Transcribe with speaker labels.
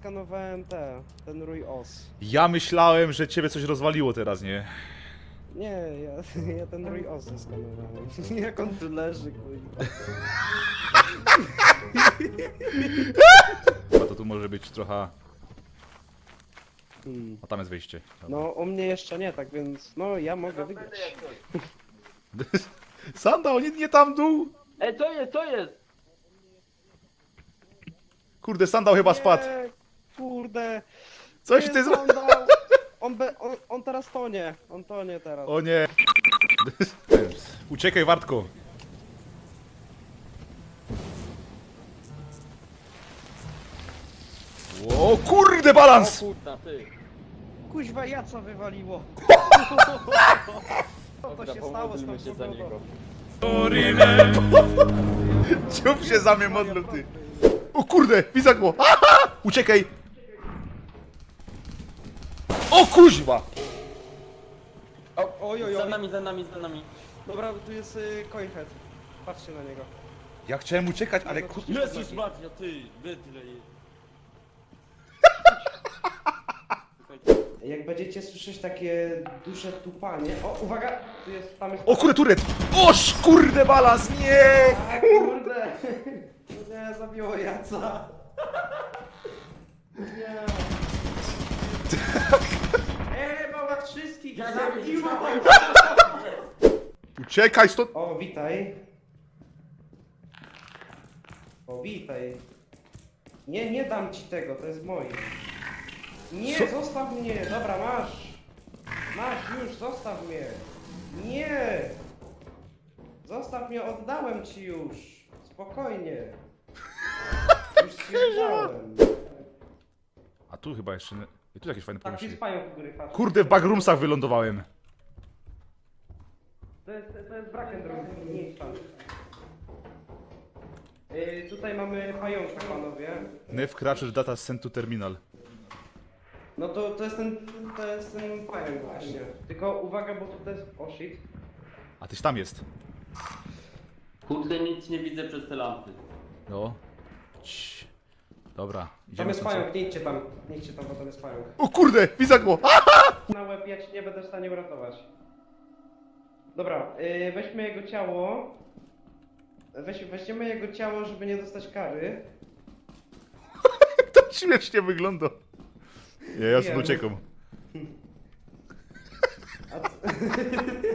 Speaker 1: skanowałem ten rój os.
Speaker 2: Ja myślałem, że ciebie coś rozwaliło teraz, nie?
Speaker 1: Nie, ja ten rój os zeskanowałem. Jak on tu leży, kurwa.
Speaker 2: A to tu może być trochę...
Speaker 1: Hmm.
Speaker 2: A tam jest wyjście. Dobra.
Speaker 1: No, u mnie jeszcze nie, tak więc, no, ja mogę wygrać.
Speaker 2: Sandał, nie tam dół!
Speaker 3: Ej, co jest?
Speaker 2: Kurde, sandał chyba spadł.
Speaker 1: Nie, kurde.
Speaker 2: Coś
Speaker 1: Nie,
Speaker 2: ty zrobił.
Speaker 1: sandał. On teraz tonie. On tonie teraz.
Speaker 2: O nie. Uciekaj, Wartko. O kurde,
Speaker 3: O
Speaker 2: balans!
Speaker 3: kurna, ty.
Speaker 1: Kuźwa, jaca wywaliło. Co to
Speaker 3: Dobra,
Speaker 1: się stało z tą
Speaker 3: pomódlmy się za
Speaker 1: pogodą?
Speaker 3: niego.
Speaker 2: Ciup się za mnie modlą, ty. O kurde, widzę go. Aha! Uciekaj. O kuźwa!
Speaker 1: Oj, oj,
Speaker 3: Za
Speaker 1: oj.
Speaker 3: nami, za nami, za nami.
Speaker 1: Dobra, tu jest coinhead. Patrzcie na niego.
Speaker 2: Ja chciałem uciekać, ale kurde.
Speaker 3: Jezus Maria, ty, bydle.
Speaker 1: Jak będziecie słyszeć takie duże tupanie... O, uwaga! Tu jest, tam jest...
Speaker 2: O kurde, turet! Oż kurde, balans, nie!
Speaker 1: A, kurde! Nie, zabiło jaca. Nie. Mama wszystkich zabiła!
Speaker 2: Uciekaj stąd!
Speaker 1: O, witaj. O, witaj. Nie, nie dam ci tego, to jest moje. Nie,
Speaker 2: Co?
Speaker 1: zostaw mnie! Dobra, masz! Masz już, zostaw mnie! Nie! Zostaw mnie, oddałem ci już! Spokojnie! Już stwierdzałem.
Speaker 2: A tu chyba jeszcze... I tu jakieś fajne
Speaker 1: Tak, jest
Speaker 2: pomieszczenie.
Speaker 1: pająk u góry, patrz.
Speaker 2: Kurde, w backroomsach wylądowałem.
Speaker 1: To jest Brackenroom, nie idź tam. Tutaj mamy pająka, panowie.
Speaker 2: Nev Crusher Data Sent to Terminal.
Speaker 1: No to jest ten pająk właśnie. Tylko uwaga, bo to jest... O shit.
Speaker 2: A tyś tam jest.
Speaker 3: Kurde, nic nie widzę przez te lampy.
Speaker 2: No. Cii. Dobra,
Speaker 1: Tam
Speaker 2: idziemy
Speaker 1: jest
Speaker 2: stąd.
Speaker 1: pająk, nie idźcie tam. Nie idźcie tam, bo tam jest pająk.
Speaker 2: O kurde, widzę go!
Speaker 1: Na łeb ja ci nie będę w stanie uratować. Dobra, weźmy jego ciało. Weźmiemy jego ciało, żeby nie dostać kary.
Speaker 2: To śmiesznie wygląda. Nie, ja sobie
Speaker 1: Wiem.
Speaker 2: uciekam.
Speaker 1: A